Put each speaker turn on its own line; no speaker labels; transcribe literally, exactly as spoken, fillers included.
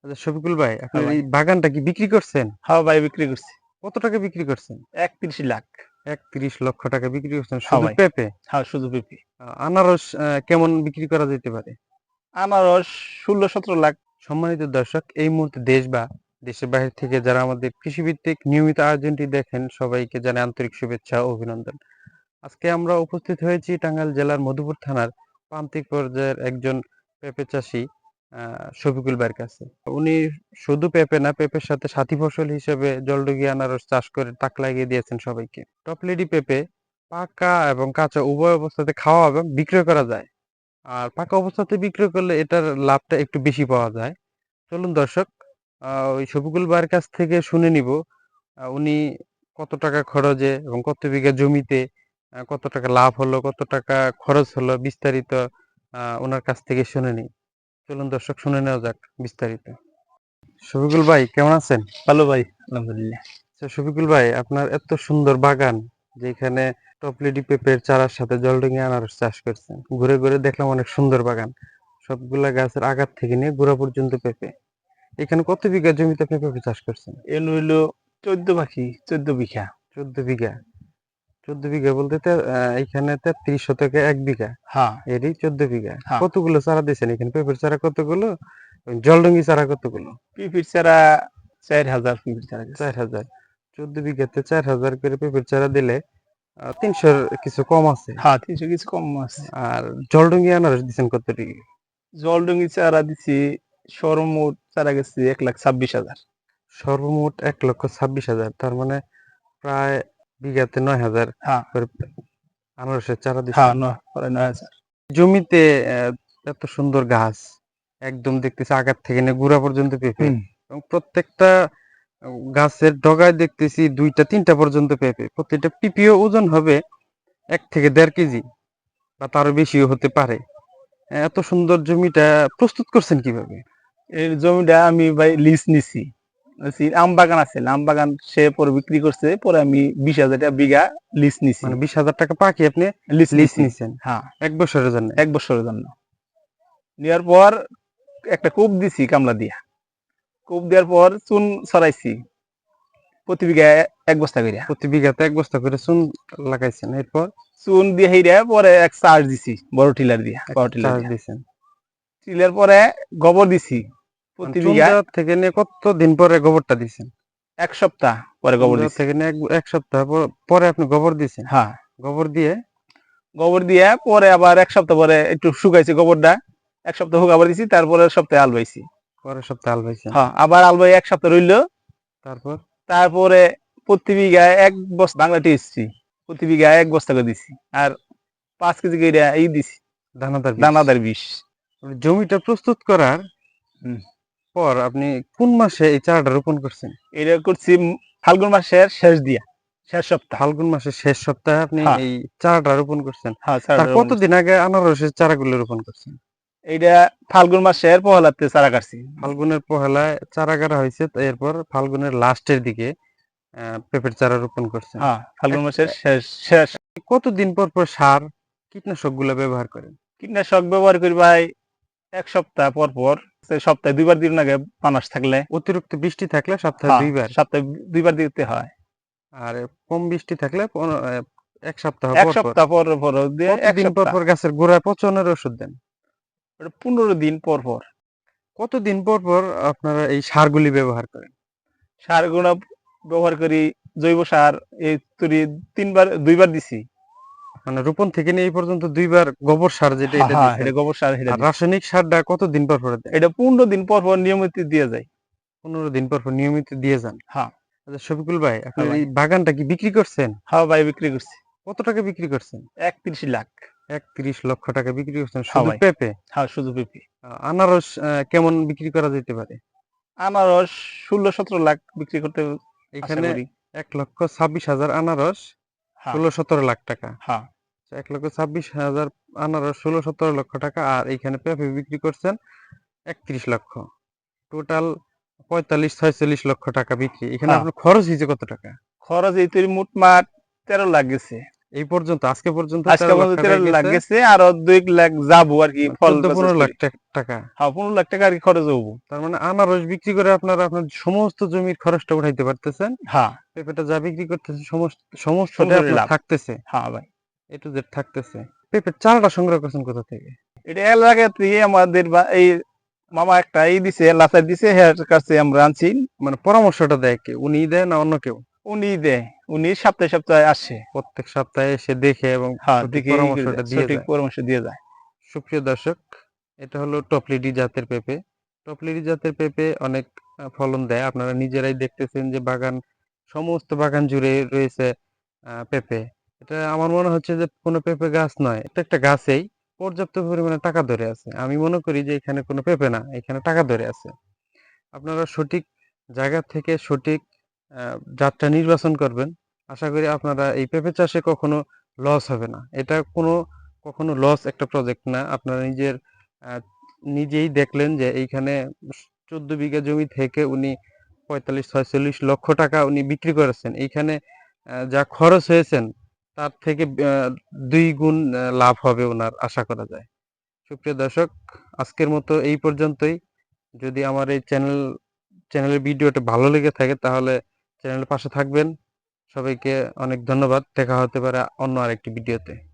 আচ্ছা শফিকুল ভাই,
হ্যাঁ
আপনার
ভাই।
এই বাগানটা কি বিক্রি করছেন?
হ্যাঁ ভাই, বিক্রি করছি।
কত টাকা বিক্রি করছেন?
একত্রিশ লাখ।
একত্রিশ লক্ষ টাকা বিক্রি করছেন
হ্যাঁ
শুধু
ভাই।
পেঁপে?
হ্যাঁ, শুধু পেঁপে।
আ আনারস আ কেমন বিক্রি করা যেতে পারে?
আনারস ষোলো সতেরো লাখ।
সম্মানিত দর্শক, এই মুহূর্তে দেশ বা দেশের বাইরে থেকে যারা আমাদের কৃষিভিত্তিক নিয়মিত আয়োজনটি দেখেন, সবাইকে জানাই আন্তরিক শুভেচ্ছা ও অভিনন্দন। আজকে আমরা উপস্থিত হয়েছি টাঙ্গাইল জেলার মধুপুর থানার প্রান্তিক পর্যায়ের একজন পেঁপে চাষী আহ, শফিকুল ভাইয়ের কাছে। উনি শুধু পেঁপে না, পেঁপের সাথে সাথী ফসল হিসেবে জলডুগি আনারস চাষ করে তাক লাগিয়ে দিয়েছেন সবাইকে। টপলেডি পেঁপে পাকা এবং কাঁচা উভয় অবস্থাতে খাওয়া এবং বিক্রয় করা যায়। আর পাকা অবস্থাতে বিক্রয় করলে এটার লাভটা একটু বেশি পাওয়া যায়। চলুন দর্শক, আহ, ওই শফিকুল ভাইয়ের কাছ থেকে শুনে নিব আহ, উনি কত টাকা খরচে এবং কত বিঘা জমিতে আহ, কত টাকা লাভ হলো, কত টাকা খরচ হলো, বিস্তারিত আহ, ওনার কাছ থেকে শুনে নিই। চলুন দর্শক, শুনে নেওয়া যাক বিস্তারিত। শফিকুল ভাই কেমন আছেন?
ভালো ভাই, আলহামদুলিল্লাহ।
আচ্ছা, শফিকুল ভাই, আপনার এত সুন্দর বাগান, যেখানে টপলেডি পেঁপের চারার সাথে জলডুঙি আনারস চাষ করছেন, ঘুরে ঘুরে দেখলাম অনেক সুন্দর বাগান। সবগুলা গাছের আগার থেকে নিয়ে গোড়া পর্যন্ত পেঁপে। এখানে কত বিঘা জমিতে আপনি পেঁপে চাষ করছেন?
এন হইলো চোদ্দ পাখি, চোদ্দ বিঘা।
চোদ্দ বিঘা। চোদ্দ বিঘা বলতে তে- আহ, এইখানে তেত্রিশ শতকে এক বিঘা,
হ্যাঁ।
এরই চোদ্দ বিঘা।
হ্যাঁ,
কতগুলো চারা দিয়েছেন এখানে? পেঁপের চারা কতগুলো, জলডঙ্গি চারা কতগুলো?
পিপির চারা চার হাজার পিপির চারা গেছে।
চার হাজার। চোদ্দ বিঘাতে চার হাজার করে পেঁপের চারা দিলে আহ, তিনশোর কিছু কম আছে।
হ্যাঁ, তিনশো কিছু কম আছে।
আর জলডঙ্গি আনারস দিচ্ছেন কত ডিগ্রি?
জলডঙ্গি চারা দিছি সর্বমোট চারা গেছে এক লাখ ছাব্বিশ হাজার।
সর্বমোট এক লক্ষ ছাব্বিশ হাজার, তার মানে প্রায় বিঘাতে নয় হাজার
হ্যাঁ।
করে আনারসের চারা
হ্যাঁ,
দিচ্ছেন
নয় প্রায় নয় হাজার।
জমিতে। আহ, এত সুন্দর গাছ, একদম দেখতেছি আগার থেকে নিয়ে গুড়া পর্যন্ত পেঁপে,
হুম।
এবং প্রত্যেকটা গাছের ডগায় দেখতেছি দুইটা তিনটা পর্যন্ত পেঁপে। প্রত্যেকটা পিপিও ওজন হবে এক থেকে দেড় কেজি বা তারও বেশিও হতে পারে। এত সুন্দর জমিটা প্রস্তুত করছেন কিভাবে?
এই জমিটা আমি ভাই লিজ নিছি। নিছি, আম বাগান আছে, আম বাগান সে পরে বিক্রি করছে, পরে আমি বিশ হাজার টাকা বিঘা লিজ নিছি।
মানে বিশ হাজার টাকা পাকি আপনি
লিজ
লিজ
নিছি।
নিছেন
হ্যাঁ,
এক বছরের জন্য?
এক বছরের জন্য। নেওয়ার পর একটা কূপ দিছি কামলা দিয়া। কূপ দেওয়ার পর চুন ছড়াইছি প্রতি বিঘা এক বস্তা করিয়া।
প্রতি বিঘাতে এক বস্তা করে চুন লাগাইছেন, এরপর
চুন দিয়ে হেইরা পরে এক চার্জ দিছি বড় টিলার দিয়া, বড় টিলার
চাষ
দিয়া।
দিছেন।
টিলার পরে গোবর দিছি
মানে
প্রতি
চুন
বিঘা
দেওয়ার থেকে নিয়ে কত দিন পরে গোবরটা দিছেন?
এক সপ্তাহ পরে
চুন
গোবর
দেওয়ার
দিছি।
থেকে নিয়ে এক, এক সপ্তাহ পর- পরে আপনি গোবর দিছেন।
হ্যাঁ,
গোবর দিয়ে
গোবর দিয়ে পরে আবার এক সপ্তাহ পরে একটু শুকাইছে গোবরটা, এক সপ্তাহ হোক আবার দিছি, তারপরে সপ্তাহে আলবাইছি।
পরের সপ্তাহে আল পাইছেন।
হ্যাঁ, আবার আলবাই এক সপ্তাহ রইলো।
তারপর
তারপরে প্রতি বিঘা এক বস্তা বাংলা টিএসসি প্রতি বিঘা এক বস্তা করে দিছি। আর পাঁচ কেজি করে এই দিছি
দানাদার বীজ।
দানাদার বিষ।
জমিটা প্রস্তুত করার
হুম।
পর আপনি কোন মাসে এই চারাটা রোপণ করছেন?
এটা করছি ফাল্গুন মাসের শেষ দিয়া, শেষ সপ্তাহ।
ফাল্গুন মাসের শেষ সপ্তাহে আপনি
হ্যাঁ।
এই চারাটা রোপণ করছেন।
হ্যাঁ,
তার
চারাটা রোপণ করছি।
কতদিন আগে আনারসের চারাগুলো রোপণ করছেন?
এইটা ফাল্গুন মাসের পহেলাতে চারা কাটছি।
ফাল্গুনের পহেলায় চারা কাটা হয়েছে, তো এরপর ফাল্গুনের লাস্টের দিকে আহ, পেঁপের চারা রোপণ করছেন।
হ্যাঁ, ফাল্গুন
এক-
মাসের শেষ শেষ।
কতদিন পর পর সার কীটনাশক গুলো ব্যবহার করেন?
কীটনাশক ব্যবহার করি ভাই এক সপ্তাহ পর পর। সে সপ্তাহে দুইবার দিন আগে পানাস থাকলে।
অতিরিক্ত বৃষ্টি থাকলে সপ্তাহে
হ্যাঁ,
দুইবার,
সপ্তাহে দুইবার দিতে হয়।
আর কম বৃষ্টি থাকলে পনেরো- আহ, এক সপ্তাহ
এক
পর পর।
সপ্তাহ পর পর দিয়ে এক
কতদিন পর
সপ্তাহ
পর গাছের গোড়ায় পচনের ওষুধ দেন?
ওটা পনেরো দিন পর পর।
কতদিন পর পর আপনারা এই সারগুলি ব্যবহার করেন?
সার গুণা ব্যবহার করি, জৈব সার এই তুরি তিনবার দুইবার দিছি।
মানে রোপণ থেকে নিয়ে এই পর্যন্ত দুইবার গোবর সার, যেটা
হ্যাঁ,
এটা
হ্যাঁ,
দিচ্ছেন।
এটা গোবর সার এটা
আর
দিছি।
রাসায়নিক সারটা কতদিন পর পর দেন?
এটা পনেরো দিন পর পর নিয়মিত দিয়ে যায়।
পনেরো দিন পর পর নিয়মিত দিয়ে যান।
হ্যাঁ।
আচ্ছা শফিকুল ভাই,
হ্যাঁ
আপনার
ভাই।
এই বাগানটা কি বিক্রি করছেন?
হ্যাঁ ভাই, বিক্রি করছি
কত টাকা বিক্রি করছেন?
একত্রিশ লাখ।
একত্রিশ লক্ষ টাকা বিক্রি করছেন
হ্যাঁ
শুধু
ভাই।
পেঁপে?
হ্যাঁ, শুধু পেঁপে।
আহ, আনারস আহ, কেমন বিক্রি করা যেতে পারে?
আনারস ষোলো সতেরো লাখ বিক্রি করতে আশা
এখানে
করি।
এক লক্ষ ছাব্বিশ হাজার আনারস,
হ্যাঁ।
ষোলো সতেরো লাখ টাকা।
হ্যাঁ।
আচ্ছা, এক লক্ষ ছাব্বিশ হাজার আনারস, ষোলো সতেরো লক্ষ টাকা, আর এইখানে পেঁপে বিক্রি করছেন একত্রিশ লক্ষ। টোটাল পঁয়তাল্লিশ ছয়চল্লিশ লক্ষ টাকা বিক্রি। এখানে
হ্যাঁ,
আপনার খরচ হয়েছে কত টাকা?
খরচ এই তৈরি মোটমাট তেরো লাখ গেছে।
এই পর্যন্ত আজকে পর্যন্ত
আজকে
তেরো লাখ
পর্যন্ত
টাকা
তেরো লাখ
গেছে,
গেছে, আরো দুই লাখ যাবো আর কি,
মানে
ফল
চোদ্দ
প্রসেস
পনেরো লাখ
করি।
টাক- টাকা।
হ্যাঁ, পনেরো লাখ টাকা আর কি খরচ হবো।
তার মানে আনারস বিক্রি করে আপনারা আপনার সমস্ত জমির খরচটা উঠাইতে পারতেছেন,
হ্যাঁ,
পেঁপেটা যা বিক্রি করতেছে সমস্ত সমস্তটাই
সমস্ত
আপনার
লাভ।
থাকতেছে,
হ্যাঁ ভাই,
এ টু জেড থাকতেছে। পেঁপের চারাটা সংগ্রহ করছেন কোথা থেকে?
এটা এলাকা থেকে আমাদের বা- এই মামা একটা এই দিছে, লাচার দিছে, হের কাছে আমরা আনছি।
মানে পরামর্শটা দেয় কে, উনি দেয় না অন্য কেউ?
উনি দেয়, উনি সপ্তাহে সপ্তাহে আসে।
প্রত্যেক সপ্তাহে এসে দেখে এবং
হ্যাঁ,
সঠিক
দেখে ই করে
পরামর্শটা
যায়,
দিয়ে
সঠিক
যায়।
পরামর্শ দিয়ে যায়।
সুপ্রিয় দর্শক, এটা হলো টপলিডি জাতের পেঁপে। টপলিডি জাতের পেঁপে অনেক আহ, ফলন দেয়, আপনারা নিজেরাই দেখতেছেন যে বাগান, সমস্ত বাগান জুড়ে রয়েছে আহ, পেঁপে। এটা আমার মনে হচ্ছে যে কোনো পেঁপে গাছ নয়, প্রত্যেকটা গাছেই পর্যাপ্ত পরিমাণে টাকা ধরে আছে। আমি মনে করি যে এখানে কোনো পেঁপে না, এখানে টাকা ধরে আছে। আপনারা সঠিক জায়গা থেকে সঠিক আহ, জাতটা নির্বাচন করবেন, আশা করি আপনারা এই পেঁপে চাষে কখনো লস হবে না। এটা কোনো কখনো লস একটা প্রজেক্ট না। আপনারা নিজের আহ, নিজেই দেখলেন যে এইখানে চোদ্দ বিঘা জমি থেকে উনি পঁয়তাল্লিশ ছয়চল্লিশ লক্ষ টাকা উনি বিক্রি করেছেন। এইখানে আহ, যা খরচ হয়েছেন তার থেকে আহ, দুই গুণ আহ, লাভ হবে ওনার, আশা করা যায়। সুপ্রিয় দর্শক, আজকের মতো এই পর্যন্তই। যদি আমার এই চ্যানেল চ্যানেলের ভিডিওটা ভালো লেগে থাকে তাহলে চ্যানেলের পাশে থাকবেন। সবাইকে অনেক ধন্যবাদ, দেখা হতে পারে অন্য আরেকটি ভিডিওতে।